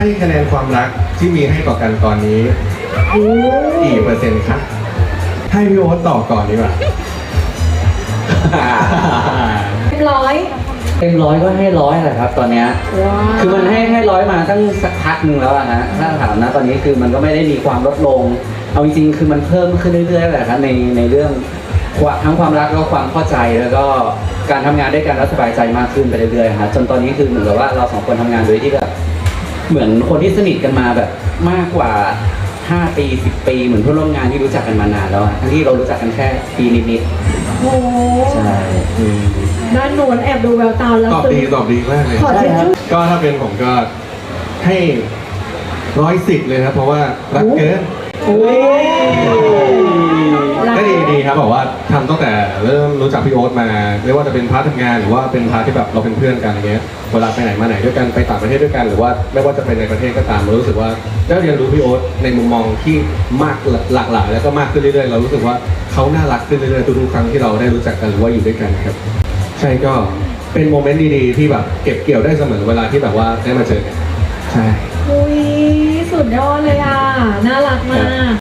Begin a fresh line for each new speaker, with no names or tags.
ให้คะแนนความรักที่มีให้ต่อกันตอนนี้กี่เปอร์เซ็นต์ครับให้พี่โอ๊ตตอบก่อนดีกว่า
เต็มร้อยก็ให้ร้อยแหละครับตอนเนี้ยคือมันให้ร้อยมาตั้งสักพักหนึ่งแล้วอะฮะถ้าถามนะตอนนี้คือมันก็ไม่ได้มีความลดลงเอาจริงๆคือมันเพิ่มขึ้นเรื่อยๆแหละครับในเรื่องทั้งความรักแล้วก็ความเข้าใจแล้วก็การทำงานด้วยกันแล้วสบายใจมากขึ้นไปเรื่อยๆฮะจนตอนนี้คือเหมือนกับว่าเราสองคนทำงานโดยที่แบบเหมือนคนที่สนิทกันมาแบบมากกว่า5 ปี10 ปีเหมือนเพื่อนร่วมงานที่รู้จักกันมานานแล้วทั้งที่เรารู้จักกันแค่ปีนิด
โอ้
ๆใช่
ด้านโน้นแอบดูแววตาแล้ว
ตอบดีมากเลย
ขอทิชชู่
ก็ถ้าเป็นผมก็ให้110เลยครับเพราะว่ารักเกินก็ดีครับบอกว่าทำตั้งแต่เริ่มรู้จักพี่โอ๊ตมาไม่ว่าจะเป็นพาร์ททำงานหรือว่าเป็นพาร์ทที่แบบเราเป็นเพื่อนกันอย่างเงี้ยเวลาไปไหนมาไหนด้วยกันไปต่างประเทศด้วยกันหรือว่าไม่ว่าจะเป็นในประเทศก็ตามเรารู้สึกว่าได้เรียนรู้พี่โอ๊ตในมุมมองที่มากหลากหลายแล้วก็มากขึ้นเรื่อยๆเรารู้สึกว่าเขาน่ารักขึ้นเรื่อยๆทุกๆครั้งที่เราได้รู้จักกันหรือว่าอยู่ด้วยกันครับใช่ก็เป็นโมเมนต์ดีๆที่แบบเก็บเกี่ยวได้เสมอเวลาที่แบบว่าได้มาเจอกันใช่
อุ้ยสุดยอดเลยอ่ะ น่ารักมาก